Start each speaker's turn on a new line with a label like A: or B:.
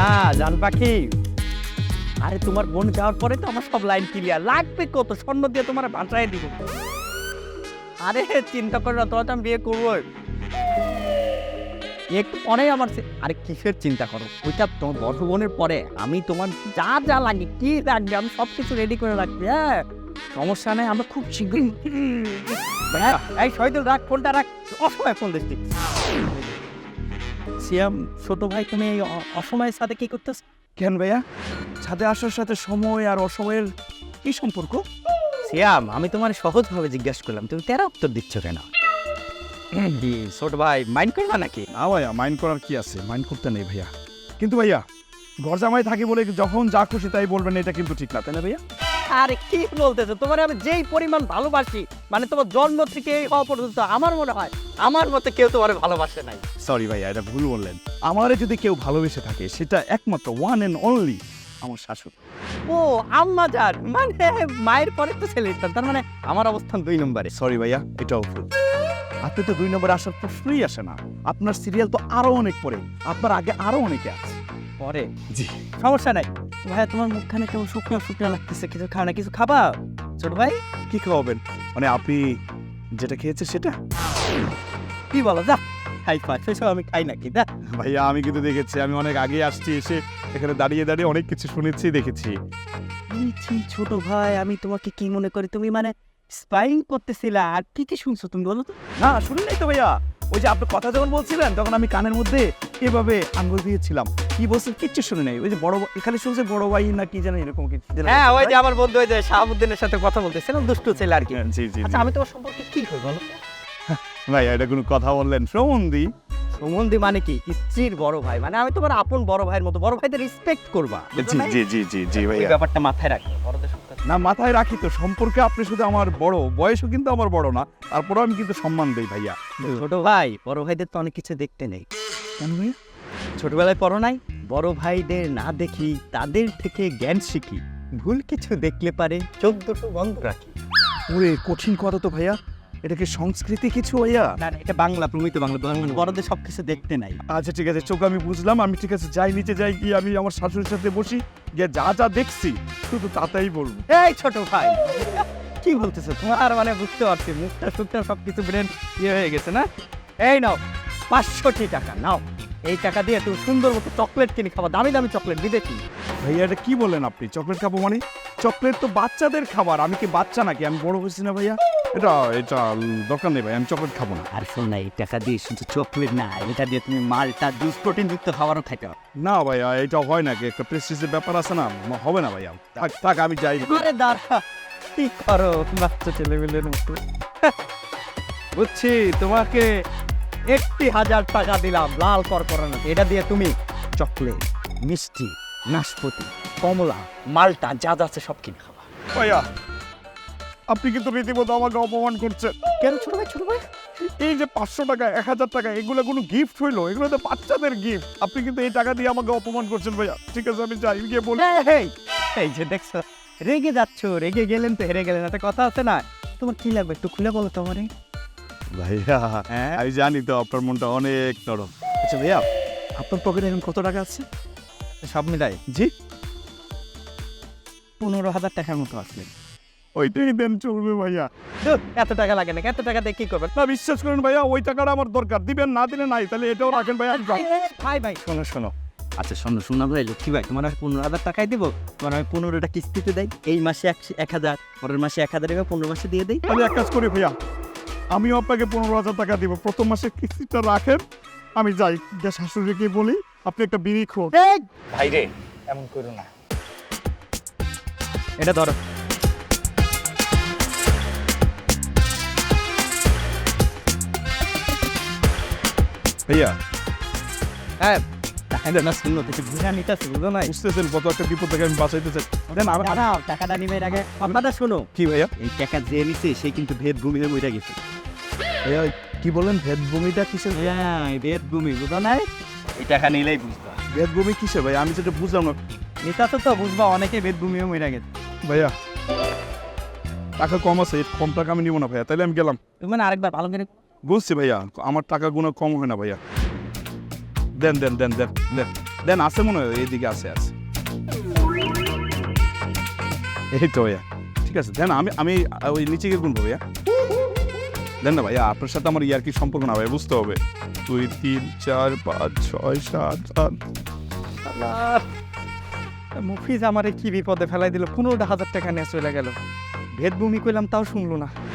A: না জান পাখি, আরে তোমার বোন যাওয়ার পরে তো আমার সব লাইন ক্লিয়ার। লাগবে কত, স্বর্ণ দিয়ে তোমার ভাষায় দিব। আরে চিন্তা করো না, তোমার তো আমি বিয়ে করবো একটু পরেই আমার আরে কিসের চিন্তা করো, ওইটা তোমার বড় বোনের পরে আমি তোমার যা যা লাগে কি লাগবে আমি সবকিছু রেডি করে রাখছি। হ্যাঁ সমস্যা নেই, আমরা খুব শীঘ্রই। এই শহীদুল রাখ ফোনটা, রাখ, অসময় ফোন দিচ্ছি। সিয়াম ছোট ভাই, তুমি এই অসময়ের সাথে কি করতেছ?
B: কেন ভাইয়া, ছাদে আসার সাথে সময় আর অসময়ের কি সম্পর্ক?
A: সিয়াম আমি তোমার সহজভাবে জিজ্ঞাসা করলাম, তুমি তেরা উত্তর দিচ্ছ কেন? কি ছোট ভাই মাইন্ড করবা নাকি?
B: না ভাইয়া, মাইন্ড করার কি আছে, মাইন্ড করতে নেই ভাইয়া। কিন্তু ভাইয়া ঘর জামাই থাকি বলে যখন যা খুশি তাই বলবেন, এটা কিন্তু ঠিক না, তাই না ভাইয়া?
A: আরে কি বলতেছো, তোমার আমি যেই পরিমাণ ভালোবাসি, মানে তোমার জন্ম থেকে এই হওয়া পর্যন্ত আমার মনে হয় আমার মতে কেউ তোমার ভালোবাসে নাই।
B: সরি ভাইয়া, এটা ভুল বললেন। আমারে যদি কেউ ভালোবেসে থাকে সেটা একমাত্র ওয়ান অ্যান্ড অনলি আমার শাশুড়ি।
A: ও আম্মা যান, মানে মায়ের পরে তো ছেলে, তার মানে আমার অবস্থান 2 নম্বরে।
B: সরি ভাইয়া, এটাও ভুল। আপনি তো 2 নম্বরে আসার প্রশ্নই আসে না। আপনার সিরিয়াল তো আরো অনেক পরে, আপনার আগে আরো অনেকে আছে।
A: পরে
B: জি
A: সমস্যা নাই। ভাইয়া তোমার মুখখানে কেমন শুকনো শুকনো লাগতেছে, কিছু খাও না, কিছু খাবা ছোট ভাই?
B: কি খাওয়াবেন? মানে আপনি যেটা খেয়েছে সেটা?
A: কি বলো, যা খাই পা, সেসব আমি খাই নাকি? দা
B: ভাইয়া আমি কিন্তু দেখেছি, আমি অনেক আগে আসছি, এসে এখানে দাঁড়িয়ে দাঁড়িয়ে অনেক কিছু শুনেছি, দেখেছি।
A: ছোট ভাই আমি তোমাকে কি মনে করি, তুমি মানে স্পাইং করতেছিলা, আর কি কি শুনছো তুমি বলো তো?
B: না শুনুন নাই তো ভাইয়া, ওই যে আপনি কথা যখন বলছিলেন তখন আমি কানের মধ্যে এভাবে আঙ্গুল দিয়েছিলাম, কি বলছেন কিচ্ছু শুনে নাই। ওই যে বড় এখানে শুনছে বড় ভাই না কি জানি এরকম কিছু।
A: হ্যাঁ ওই যে আমার বন্ধু ওই যে শাহাবুদ্দিনের সাথে কথা বলতেছিলাম, দুষ্টু ছেলে আর কি।
B: হ্যাঁ, জি জি
A: আচ্ছা আমি তোমার সম্পর্কে কি কই বলো?
B: ভাই, এটা কোনো কথা বললেন? সম্বন্ধী?
A: সম্বন্ধী মানে কি? স্ত্রীর বড় ভাই, মানে আমি তোমার আপন বড় ভাইয়ের মতো, বড় ভাইদের রেসপেক্ট করবা।
B: জি জি জি জি জি
A: এই
B: ভাইয়া,
A: ব্যাপারটা মাথায় রাখবে, বড়দের সাথে।
B: না মাথায় রাখি তো। সম্পর্কে আপনি শুধু আমার বড়, বয়সও কিন্তু আমার বড় না, তারপরেও আমি কিন্তু সম্মান দেই ভাইয়া।
A: ছোট ভাই বড় ভাইদের তো অনেক কিছু দেখতে নেই।
B: কেন ভাইয়া?
A: ছোটবেলায় পড়ো নাই, বড় ভাইদের না দেখি তাদের থেকে জ্ঞান শিখি, ভুল কিছু দেখলে পারে চোখ দুটো বন্ধ রাখি।
B: ওরে কঠিন কথা তো ভাইয়া, এটা কি সংস্কৃতি কিছু ভাইয়া?
A: না না, এটা বাংলা, প্রমিত বাংলা, বড়দের সবকিছু দেখতে নাই।
B: আচ্ছা ঠিক আছে, চোখ আমি বুঝলাম, আমি ঠিক আছে যাই, নিচে যাই, গিয়ে আমি আমার শাশুড়ির সাথে বসি, গিয়ে যা যা দেখছি শুধু তাতেই বলবো।
A: এই ছোট ভাই কি বলতেছো তোমার, মানে বুঝতে পারছি মুখটা সুখটা সবকিছু ব্রেন ইয়ে হয়ে গেছে না। এই নাও 500 টাকা নাও, এই টাকা দিয়ে তুমি সুন্দর মতো চকলেট কিনে খাবা, দামি দামি চকলেট, বিদেশি।
B: ভাইয়া এটা কি বলেন আপনি? চকলেট খাবো মানে? চকলেট তো বাচ্চাদের খাবার, আমি কি বাচ্চা নাকি? আমি বড় হয়েছি না ভাইয়া। এটা এটা দরকার নেই ভাই, আমি চকলেট খাবো না।
A: আর শোন না, এই টাকা দিয়ে শুধু চকলেট না, এটা দিয়ে তুমি মালটা জুস প্রোটিন যুক্ত খাবারও খাইতে পারো।
B: না ভাইয়া, এটা হয় নাকি? একটা প্রেস্টিজের ব্যাপার আছে না, হবে না ভাইয়া। থাক থাক, আমি যাই।
A: আরে দাঁড়া, কি করো বাচ্চা ছেলেমেলের মতো। বুঝছি, তোমাকে 1000 টাকা দিলাম লাল করকরানো, এটা দিয়ে তুমি চকলেট, মিষ্টি, নাশপাতি, কমলা, মালটা যা যা আছে সব কিনে খাবা।
B: ভাইয়া আপনি কিন্তু রীতিমতো আমাকে অপমান করছেন।
A: কেন ছোট ভাই, ছোট ভাই?
B: এই যে 500 টাকা, 1000 টাকা, এগুলো কোনো গিফট হইলো? এগুলো তো বাচ্চাদের গিফট। আপনি কিন্তু এই টাকা দিয়ে আমাকে অপমান করছেন ভাইয়া। ঠিক আছে আমি যাই, গিয়ে বলি।
A: এই যে দেখছো, রেগে যাচ্ছ, রেগে গেলেন তো হেরে গেলেন, একটা কথা আছে না, তোমার কি লাগবে একটু খুলে বলো তো আমারে।
B: ভাইয়া
A: হ্যাঁ?
B: আমি জানি তো আপনার মনটা অনেক নরম। আচ্ছা ভাইয়া, আপনার পকেটে এখন কত টাকা আছে?
A: সব মিলাই
B: জি
A: 15,000 টাকার মতো আসবে।
B: ওইটাই দেন, চলবে ভাইয়া।
A: ধুর, এত টাকা লাগে না, এত টাকা দিয়ে কি করবেন?
B: না বিশ্বাস করেন ভাইয়া, ওই টাকাটা আমার দরকার। দিবেন, না দিলে নাই, তাহলে এটাও রাখেন ভাইয়া।
A: ভাই ভাই শোনো শোনো, আচ্ছা শোনো ভাই, লক্ষ্মী ভাই, তোমার 15,000 টাকাই দিব, তোমার আমি 15টা কিস্তিতে দেই, এই মাসে 1000, পরের মাসে 1000 এবার 15 মাসে দিয়ে দেই।
B: আমি এক কাজ করি ভাইয়া, আমিও আপনাকে 15,000 টাকা দিব, প্রথম মাসে কিস্তিটা রাখেন। আমি যাই, যে শাশুড়িকে বলি আপনি একটা বিড়ি খোর।
A: ভাই রে এমন করো না, এটা ধরো।
B: ভাইয়া
A: হ্যাঁ না, শুনো কিছু বুঝা নিতেছে, বুঝো নাই?
B: বুঝতেছেন কত একটা বিপদ থেকে আমি বাঁচাইতে চাই। দেন
A: দাঁড়াও, টাকাটা নিবে এর আগে কথাটা শোনো।
B: কি ভাইয়া?
A: এই টাকা যে নিছে সে কিন্তু ভেদ ভূমি হয়ে মরে গেছে।
B: ভাইয়া কি বলেন? ভেদভূমিটা কিসের?
A: হ্যাঁ ভেদ ভূমি, বুঝো নাই? এই টাকা নিলেই বুঝবা।
B: ভেদভূমি কিসের ভাই? আমি যেটা বুঝলাম না।
A: নিতাছো তো বুঝবা, অনেকে ভেদ ভূমি হয়ে মরে গেছে।
B: ভাইয়া টাকা কম আছে, কম টাকা আমি নিব না ভাইয়া, তাহলে আমি গেলাম।
A: তুমি মানে আরেকবার ভালো করে
B: বুঝছি ভাইয়া, আমার টাকা গুলো কম হয় না ভাইয়া। দেন দেন দেন দেন দেন। দেন আছে মনে হয় এইদিকে আছে এই তো ভাইয়া ঠিক আছে দেন আমি ওই নিচে গিয়ে গুনবো ভাইয়া দেন না ভাইয়া আপনার সাথে আমার ইয়ার কি সম্পর্ক না ভাই বুঝতে হবে 2 3 4 5 6 7 8
A: মুফিজ আমারে কি বিপদে ফেলাই দিল, 15,000 টাকা নিয়ে চলে গেল। ভেদভূমি কইলাম তাও শুনলো না।